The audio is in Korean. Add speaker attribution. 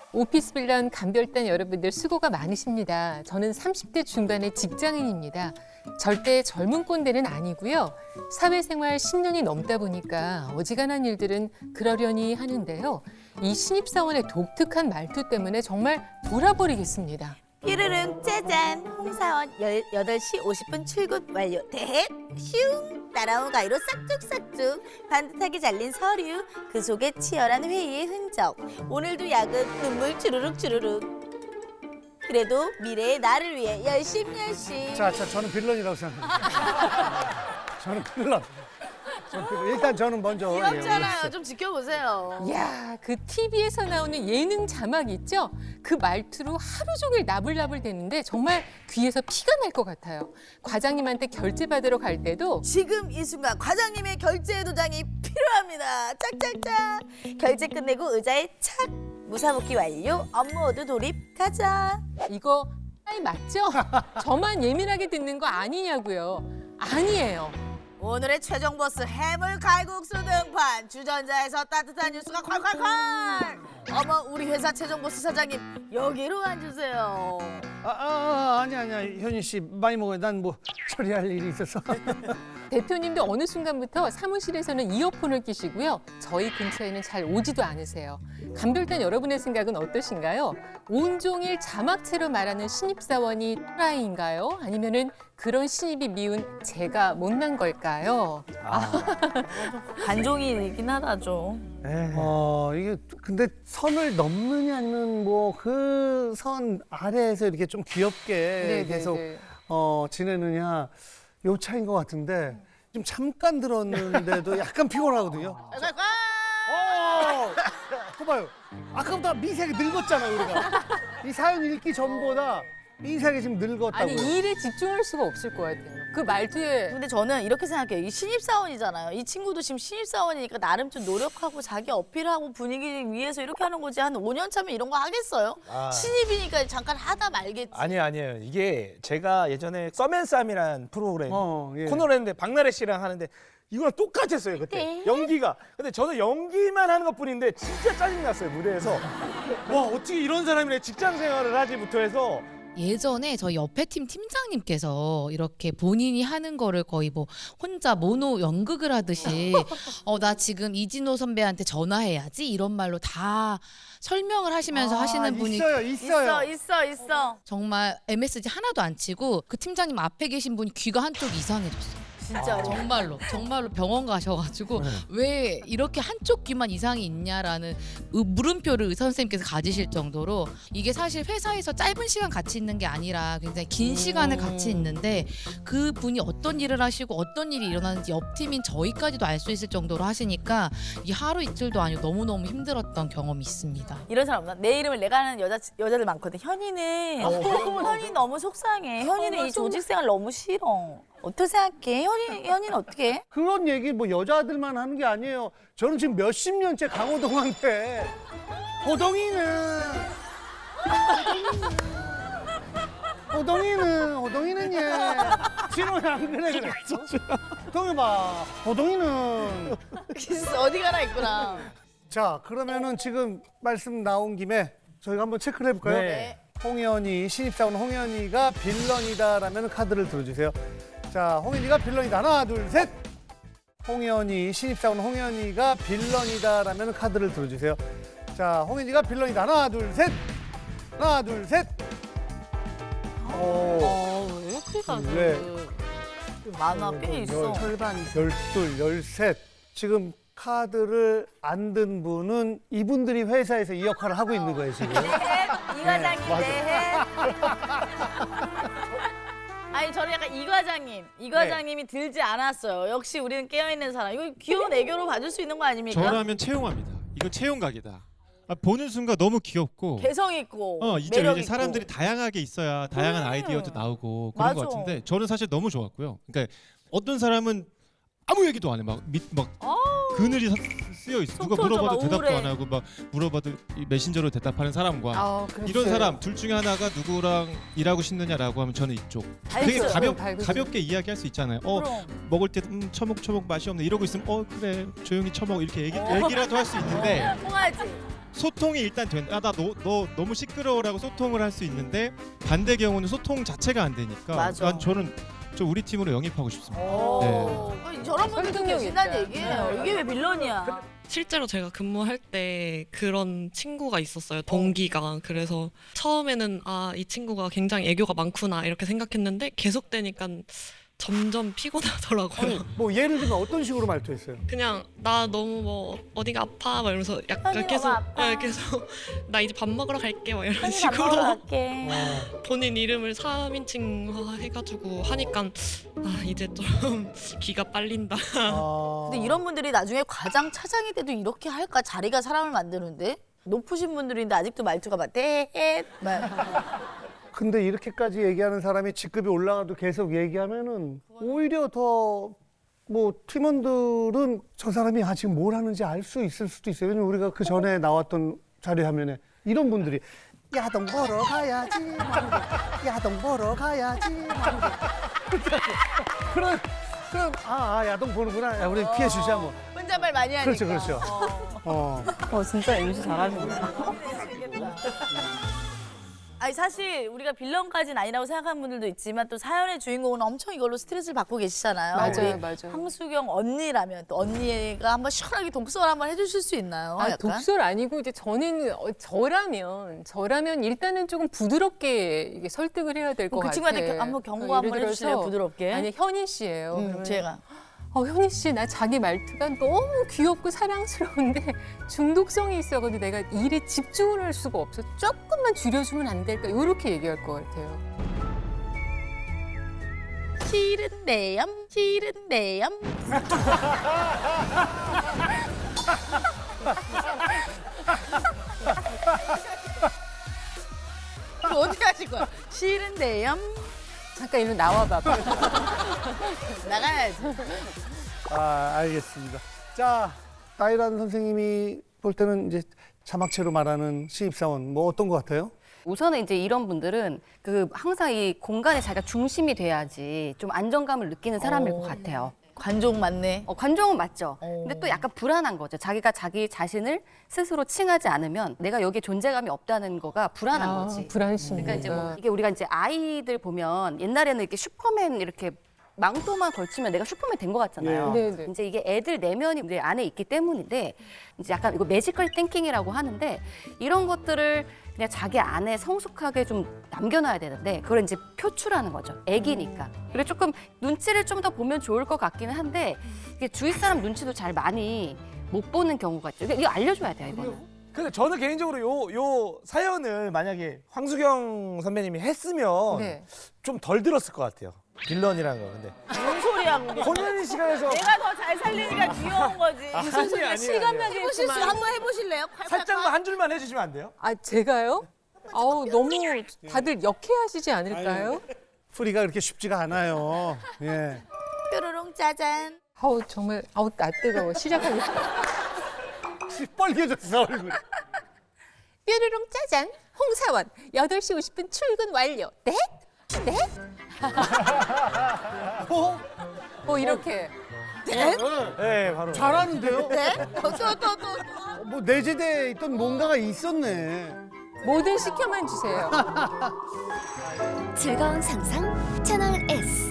Speaker 1: 오피스 빌런 감별단 여러분들 수고가 많으십니다. 저는 30대 중반의 직장인입니다. 절대 젊은 꼰대는 아니고요. 사회생활 10년이 넘다 보니까 어지간한 일들은 그러려니 하는데요. 이 신입사원의 독특한 말투 때문에 정말 돌아버리겠습니다.
Speaker 2: 휘르릉 짜잔 홍사원 8시 50분 출근 완료 대헷 슝 따라온 가위로 싹둑싹둑 반듯하게 잘린 서류 그 속에 치열한 회의의 흔적 오늘도 야근 눈물 주르륵 주르륵 그래도 미래의 나를 위해 열심히
Speaker 3: 자, 저는 빌런이라고 생각합니다. 저는 빌런. 일단 저는 먼저.
Speaker 2: 귀엽잖아요. 좀 지켜보세요.
Speaker 1: 이야, 그 TV에서 나오는 예능 자막 있죠? 그 말투로 하루 종일 나불나불 대는데 정말 귀에서 피가 날 것 같아요. 과장님한테 결제 받으러 갈 때도
Speaker 2: 지금 이 순간 과장님의 결제 도장이 필요합니다. 짝짝짝. 결제 끝내고 의자에 착. 무사복귀 완료. 업무 모두 돌입. 가자.
Speaker 1: 이거 맞죠? 저만 예민하게 듣는 거 아니냐고요. 아니에요.
Speaker 2: 오늘의 최종 보스 해물 칼국수 등판 주전자에서 따뜻한 뉴스가 콸콸콸. 어머 우리 회사 최종 보스 사장님 여기로 앉으세요.
Speaker 3: 아니야. 현희 씨 많이 먹어요. 난 뭐 처리할 일이 있어서.
Speaker 1: 대표님도 어느 순간부터 사무실에서는 이어폰을 끼시고요. 저희 근처에는 잘 오지도 않으세요. 감별단 여러분의 생각은 어떠신가요? 온종일 자막체로 말하는 신입사원이 또라이인가요? 아니면은 그런 신입이 미운 제가 못난 걸까요?
Speaker 2: 관종이긴 하다 좀.
Speaker 3: 이게 근데 선을 넘느냐 아니면 뭐 그 선 아래에서 이렇게 좀 귀엽게 계속 지내느냐 요 차이인 것 같은데 지금 잠깐 들었는데도 약간 피곤하거든요. 봐봐요. 아까보다 미세하게 늙었잖아 우리가. 이 사연 읽기 전보다 미세하게 지금 늙었다고.
Speaker 1: 아니 이 일에 집중할 수가 없을 것 같아요. 그 말투에
Speaker 2: 근데 저는 이렇게 생각해요. 이 신입사원이잖아요. 이 친구도 지금 신입사원이니까 나름 좀 노력하고 자기 어필하고 분위기 위해서 이렇게 하는 거지. 한 5년 차면 이런 거 하겠어요? 신입이니까 잠깐 하다 말겠지.
Speaker 4: 아니에요. 이게 제가 예전에 썸앤쌈이란 프로그램
Speaker 3: 예.
Speaker 4: 코너를 했는데 박나래 씨랑 하는데 이거랑 똑같았어요 그때 연기가. 근데 저는 연기만 하는 것뿐인데 진짜 짜증났어요 무대에서. 와 어떻게 이런 사람이랑 직장 생활을 하지부터 해서.
Speaker 5: 예전에 저희 옆에 팀 팀장님께서 이렇게 본인이 하는 거를 거의 뭐 혼자 모노 연극을 하듯이 나 지금 이진호 선배한테 전화해야지 이런 말로 다 설명을 하시면서 하시는 분이
Speaker 2: 있어.
Speaker 5: 정말 MSG 하나도 안 치고 그 팀장님 앞에 계신 분이 귀가 한쪽 이상해졌어요.
Speaker 2: 진짜
Speaker 5: 정말로 병원 가셔가지고 왜 이렇게 한쪽 귀만 이상이 있냐라는 물음표를 의사 선생님께서 가지실 정도로 이게 사실 회사에서 짧은 시간 같이 있는 게 아니라 굉장히 긴 시간을 같이 있는데 그 분이 어떤 일을 하시고 어떤 일이 일어나는지 옆 팀인 저희까지도 알 수 있을 정도로 하시니까 이게 하루 이틀도 아니고 너무너무 힘들었던 경험이 있습니다.
Speaker 2: 이런 사람 없나? 내 이름을 내가 아는 여자들 많거든. 현이는 현이 너무 속상해. 현이는 이 조직 생활 너무 싫어. 어떻게 생각해? 현이는 어떻게 해?
Speaker 3: 그런 얘기 뭐 여자들만 하는 게 아니에요. 저는 지금 몇십 년째 강호동한테 호동이는 얘 진호야 안 그래. 호동이 봐. 호동이는.
Speaker 2: 어디 가나 있구나.
Speaker 3: 자, 그러면은 지금 말씀 나온 김에 저희가 한번 체크를 해볼까요?
Speaker 4: 네.
Speaker 3: 홍현이, 신입사원 홍현이가 빌런이다라면 카드를 들어주세요. 자, 홍현이가 빌런이다. 하나, 둘, 셋. 홍현이, 신입사원 홍현이가 빌런이다라면 카드를 들어주세요. 자, 홍현이가 빌런이다. 하나, 둘, 셋. 하나, 둘, 셋.
Speaker 2: 왜 이렇게 가지? 많아, 꽤 있어.
Speaker 3: 절반. 12, 13. 지금 카드를 안 든 분은 이분들이 회사에서 이 역할을 하고 있는 거예요, 지금.
Speaker 2: 이 과장님 네. 아니 저는 약간 이 과장님이 들지 않았어요. 역시 우리는 깨어있는 사람. 이거 귀여운 애교로 봐줄 수 있는 거 아닙니까?
Speaker 6: 저라면 채용합니다. 이거 채용각이다. 보는 순간 너무 귀엽고
Speaker 2: 개성 있고
Speaker 6: 이제
Speaker 2: 매력
Speaker 6: 이제
Speaker 2: 있고.
Speaker 6: 사람들이 다양하게 있어야 다양한 아이디어도 나오고 그런
Speaker 2: 맞아.
Speaker 6: 것 같은데 저는 사실 너무 좋았고요. 그러니까 어떤 사람은 아무 얘기도 안 해. 막 그늘이 쓰여 있어. 누가
Speaker 2: 속 터져,
Speaker 6: 물어봐도
Speaker 2: 막
Speaker 6: 대답도
Speaker 2: 우울해.
Speaker 6: 안 하고 막 물어봐도 이 메신저로 대답하는 사람과
Speaker 1: 그랬어요.
Speaker 6: 이런 사람 둘 중에 하나가 누구랑 일하고 싶느냐라고 하면 저는 이쪽. 되게
Speaker 2: 알겠어요.
Speaker 6: 가볍게 이야기할 수 있잖아요.
Speaker 2: 그럼.
Speaker 6: 먹을 때 처먹 맛이 없네 이러고 있으면 그래 조용히 처먹 이렇게 얘기라도 할 수 있는데
Speaker 2: 통하지.
Speaker 6: 소통이 일단 된다. 나 너 너무 시끄러워라고 소통을 할 수 있는데 반대 경우는 소통 자체가 안 되니까.
Speaker 2: 맞아.
Speaker 6: 난 저는 우리 팀으로 영입하고 싶습니다.
Speaker 2: 아니, 저런 분들도
Speaker 1: 설득력
Speaker 2: 계신다는
Speaker 1: 있다.
Speaker 2: 얘기예요. 이게 왜 빌런이야?
Speaker 7: 실제로 제가 근무할 때 그런 친구가 있었어요. 동기가. 그래서 처음에는 아, 이 친구가 굉장히 애교가 많구나 이렇게 생각했는데 계속되니까 점점 피곤하더라고요.
Speaker 3: 아니, 뭐 예를 들면 어떤 식으로 말투했어요?
Speaker 7: 그냥 나 너무 뭐 어디가 아파 막 이러면서
Speaker 2: 현이
Speaker 7: 약간 계속
Speaker 2: 너무 아파.
Speaker 7: 계속 나 이제 밥 먹으러 갈게 막 이런
Speaker 2: 한입 안
Speaker 7: 식으로
Speaker 2: 먹으러 갈게.
Speaker 7: 본인 이름을 3인칭 해가지고 하니까 아 이제 좀 기가 빨린다.
Speaker 2: 근데 이런 분들이 나중에 과장 차장이 돼도 이렇게 할까? 자리가 사람을 만드는데 높으신 분들인데 아직도 말투가 막 대헷 막.
Speaker 3: 근데 이렇게까지 얘기하는 사람이 직급이 올라가도 계속 얘기하면은 오히려 더 뭐 팀원들은 저 사람이 지금 뭘 하는지 알 수 있을 수도 있어요. 왜냐면 우리가 그 전에 나왔던 자료 화면에 이런 분들이 야동 보러 가야지. 야동 보러 가야지. 그런 야동 보는구나. 야, 우리 피해 주자 뭐.
Speaker 2: 혼잣말 많이 하니까.
Speaker 3: 그렇죠, 그렇죠.
Speaker 8: 진짜 MC 잘하시네.
Speaker 2: 아니 사실 우리가 빌런까지는 아니라고 생각하는 분들도 있지만 또 사연의 주인공은 엄청 이걸로 스트레스를 받고 계시잖아요.
Speaker 1: 맞아요,
Speaker 2: 우리
Speaker 1: 맞아요.
Speaker 2: 황수경 언니라면 또 언니가 한번 시원하게 독설 한번 해주실 수 있나요?
Speaker 1: 아,
Speaker 2: 약간?
Speaker 1: 독설 아니고 이제 저는 저라면 일단은 조금 부드럽게 이게 설득을 해야 될 것
Speaker 2: 그
Speaker 1: 같아요.
Speaker 2: 친구한테 한번 경고 한번
Speaker 1: 예를
Speaker 2: 해주실래요?
Speaker 1: 들어서
Speaker 2: 부드럽게.
Speaker 1: 아니 현희 씨예요. 그러면
Speaker 2: 제가.
Speaker 1: 현희 씨, 나 자기 말투가 너무 귀엽고 사랑스러운데 중독성이 있어가지고 내가 일에 집중을 할 수가 없어. 조금만 줄여주면 안 될까? 이렇게 얘기할 것 같아요.
Speaker 2: 싫은데요? 싫은데요? 그럼 어떻게 하실 거야? 싫은데요?
Speaker 1: 잠깐 이리 나와봐봐.
Speaker 2: 나가야지.
Speaker 3: 알겠습니다. 자, 나이란 선생님이 볼 때는 이제 자막체로 말하는 신입사원 뭐 어떤 것 같아요?
Speaker 8: 우선은 이제 이런 분들은 항상 이 공간에 자기가 중심이 돼야지 좀 안정감을 느끼는 사람일 것 같아요.
Speaker 2: 관종 맞네.
Speaker 8: 관종은 맞죠. 근데 또 약간 불안한 거죠. 자기가 자기 자신을 스스로 칭하지 않으면 내가 여기에 존재감이 없다는 거가 불안한 거지.
Speaker 1: 불안심이.
Speaker 8: 그러니까 이제 뭐 이게 우리가 이제 아이들 보면 옛날에는 이렇게 슈퍼맨 이렇게 망토만 걸치면 내가 슈퍼맨 된 것 같잖아요.
Speaker 1: 네, 네.
Speaker 8: 이제 이게 애들 내면이 이제 안에 있기 때문인데 이제 약간 이거 매지컬 띵킹이라고 하는데 이런 것들을 그냥 자기 안에 성숙하게 좀 남겨놔야 되는데 그걸 이제 표출하는 거죠. 애기니까. 그리고 조금 눈치를 좀 더 보면 좋을 것 같기는 한데 이게 주위 사람 눈치도 잘 많이 못 보는 경우가 있죠. 이거 알려줘야 돼요, 이거는.
Speaker 4: 근데 저는 개인적으로 요 사연을 만약에 황수경 선배님이 했으면
Speaker 1: 네.
Speaker 4: 좀 덜 들었을 것 같아요. 빌런이라는 거. 근데
Speaker 2: 무슨 소리야, 그게.
Speaker 4: 본인 시간에서
Speaker 2: 내가 더 잘 살리니까 귀여운 거지.
Speaker 4: 무슨 소리야?
Speaker 1: 실감나게
Speaker 2: 해보실 수
Speaker 1: 했지만.
Speaker 2: 한번 해보실래요?
Speaker 4: 살짝만 한 줄만 해주시면 안 돼요?
Speaker 1: 아, 제가요? 아우, 너무 다들 역해하시지 않을까요?
Speaker 3: 풀이가 그렇게 쉽지가 않아요. 예.
Speaker 2: 뾰로롱 짜잔.
Speaker 1: 아우, 정말, 나 뜨거워. 시작하겠습니다.
Speaker 3: 빨개졌어, 얼굴.
Speaker 1: 뾰로롱 짜잔. 홍사원, 8시 50분 출근 완료. 네? 네? 이렇게.
Speaker 4: 네, 바로.
Speaker 3: 잘하는데요?
Speaker 2: 네? 또.
Speaker 3: 뭐 내재되어 있던 뭔가가 있었네.
Speaker 1: 뭐든 시켜만 주세요.
Speaker 9: 즐거운 상상 채널 S.